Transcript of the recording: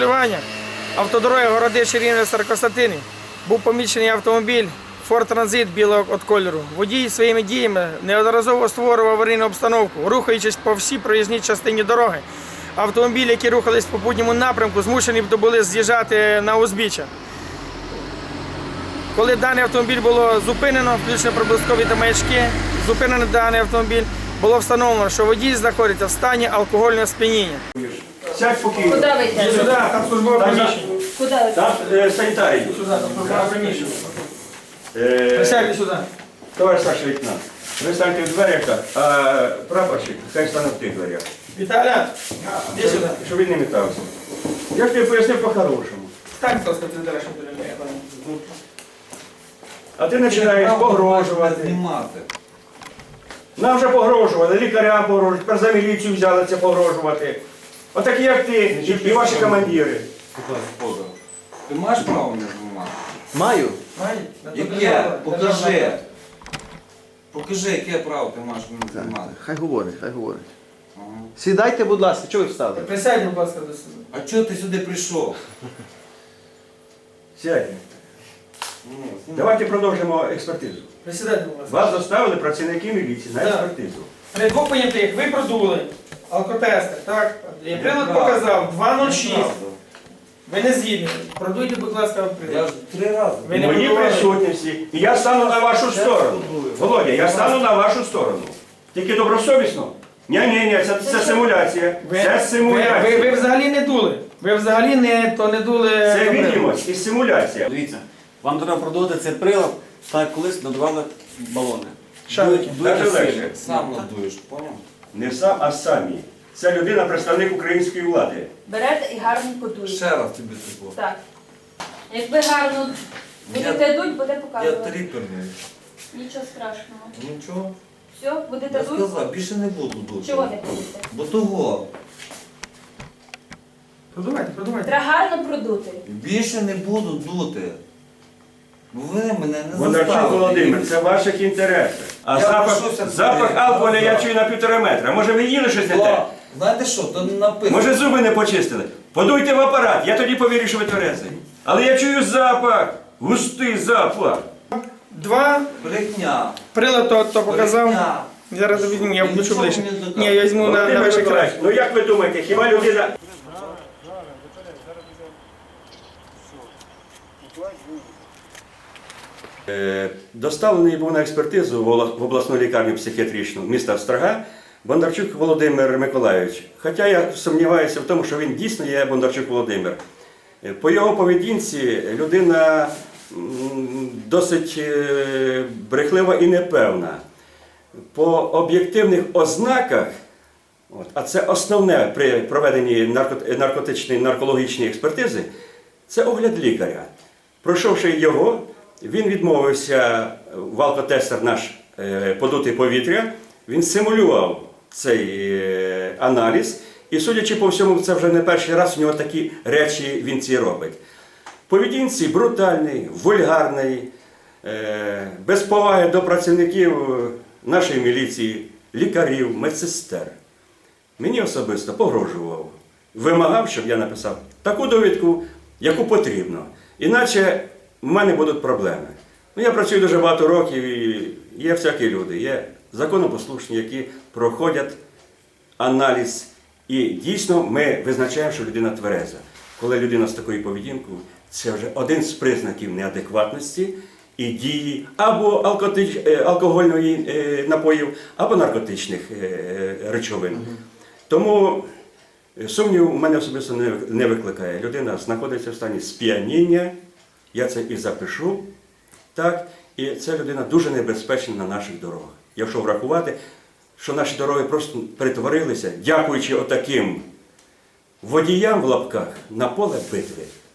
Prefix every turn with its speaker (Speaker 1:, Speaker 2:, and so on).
Speaker 1: Автодороги Городище-Рівне-Старокостянтини. Був помічений автомобіль Ford Transit білого кольору. Водій своїми діями неодноразово створював аварійну обстановку, рухаючись по всій проїзній частині дороги. Автомобілі, які рухались в попутньому напрямку, змушені були з'їжджати на узбіччя. Коли даний автомобіль було зупинено, включено проблискові та маячки, зупинений даний автомобіль, було встановлено, що водій знаходиться в стані алкогольного сп'яніння.
Speaker 2: Сядь спокійно.
Speaker 3: Куди ви йдете?
Speaker 1: Сюди, там службове приміщення.
Speaker 3: Куди ви?
Speaker 2: Там санітарій.
Speaker 1: Сюди, там службове приміщення. Присядьте сюди.
Speaker 2: Товариш старший лейтенант, ви станьте в дверях, а прапорщик хай стане в тих дверях.
Speaker 1: Віталя, іди сюди.
Speaker 2: Щоб він не метався. Я ж тобі пояснив по-хорошому.
Speaker 1: Стань, будь ласка, ти дереш, що ти не.
Speaker 2: А ти починаєш погрожувати. Нам вже погрожували, лікарям погрожують, тепер за міліцію взялися погрожувати. Отакі як ти і ваші командири.
Speaker 4: Ти маєш право мене знімати?
Speaker 5: Маю.
Speaker 4: Яке? Покажи. Покажи, яке право ти маєш мене знімати.
Speaker 5: Хай говорить, хай говорить. Сідайте, будь ласка, чого ви встали?
Speaker 1: Присядь, будь ласка, до суду.
Speaker 4: А чого ти сюди прийшов?
Speaker 2: Сядьте. Давайте продовжимо експертизу.
Speaker 1: Присідайте, будь ласка.
Speaker 2: Вас доставили працівники міліції на
Speaker 1: Так.
Speaker 2: експертизу.
Speaker 1: При двох понятих ви продули алкотестер, так? Прилад показав 2,06. Ви не згідні. Продуйте, будь ласка,
Speaker 4: Я
Speaker 1: прилад.
Speaker 4: ж 3 рази.
Speaker 1: Ви не
Speaker 2: В моїй
Speaker 1: будували?
Speaker 2: присутності. І я стану на вашу сторону. Володя, я стану на вашу сторону. Тільки добросовісно. Ні, це симуляція. Це
Speaker 1: Ви
Speaker 2: симуляція.
Speaker 1: взагалі не дули. Ви взагалі не дули.
Speaker 2: Це
Speaker 1: добре.
Speaker 2: відомість і симуляція.
Speaker 6: Дивіться, вам треба продати цей прилад, так як колись надавали балони.
Speaker 1: Шарики.
Speaker 2: Так
Speaker 6: Дуйте
Speaker 2: легше.
Speaker 6: сильно.
Speaker 4: Сам надуєш, поняв?
Speaker 2: Не сам, а самі. Це людина, представник української влади.
Speaker 3: Берете і гарно подуєте.
Speaker 4: Ще раз тобі тако.
Speaker 3: Так. Якби гарно будете дуть, буде
Speaker 4: Я
Speaker 3: показувати.
Speaker 4: тріперний.
Speaker 3: Нічого страшного.
Speaker 4: Нічого.
Speaker 3: Все, будете
Speaker 4: Я
Speaker 3: дуть?
Speaker 4: сказав, більше не буду дути.
Speaker 3: Чого не будете?
Speaker 4: Бо того.
Speaker 1: Продувайте.
Speaker 3: Треба гарно продути.
Speaker 4: Більше не буду дути. Бо ви мене не
Speaker 2: Бондарчук
Speaker 4: заставите.
Speaker 2: Володимир, це в ваших інтересах. А
Speaker 4: Я
Speaker 2: запах,
Speaker 4: пройшовся
Speaker 2: запах
Speaker 4: туди.
Speaker 2: алкоголя я чую на 1,5 метра. Може ви їли щось не те?
Speaker 4: О, знаєте що, то не написано.
Speaker 2: Може зуби не почистили? Подуйте в апарат, я тоді повірю, що ви тверезий. Але я чую запах, густий запах.
Speaker 1: 2,
Speaker 4: Брехня.
Speaker 1: прилад то показав.
Speaker 4: Брехня.
Speaker 1: Зараз візьму, я включу
Speaker 4: Нічого
Speaker 1: ближче.
Speaker 4: мені не доказує.
Speaker 1: Ні, я візьму на
Speaker 2: Володимир
Speaker 1: ваш екран.
Speaker 2: Миколаївич, ну як ви думаєте, хіба людина... Доставлений був на експертизу в обласну лікарню психіатричну міста Острога Бондарчук Володимир Миколайович. Хоча я сумніваюся в тому, що він дійсно є Бондарчук Володимир. По його поведінці людина досить брехлива і непевна. По об'єктивних ознаках, а це основне при проведенні наркотичної наркологічної експертизи, це огляд лікаря. Пройшовши його, він відмовився в алкотестер наш подути повітря, він симулював цей аналіз і, судячи по всьому, це вже не перший раз у нього такі речі він ці робить. Поведінці брутальний, вульгарний, без поваги до працівників нашої міліції, лікарів, медсестер. Мені особисто погрожував, вимагав, щоб я написав таку довідку, яку потрібно. Іначе в мене будуть проблеми. Ну, я працюю дуже багато років і є всякі люди, є законопослушні, які проходять аналіз. І дійсно ми визначаємо, що людина твереза. Коли людина з такою поведінкою, це вже один з признаків неадекватності і дії або алкогольної напоїв, або наркотичних речовин. Тому сумнів у мене особисто не викликає. Людина знаходиться в стані сп'яніння, я це і запишу, так, і ця людина дуже небезпечна на наших дорогах. Якщо врахувати, що наші дороги просто перетворилися, дякуючи отаким водіям в лапках, на поле битви.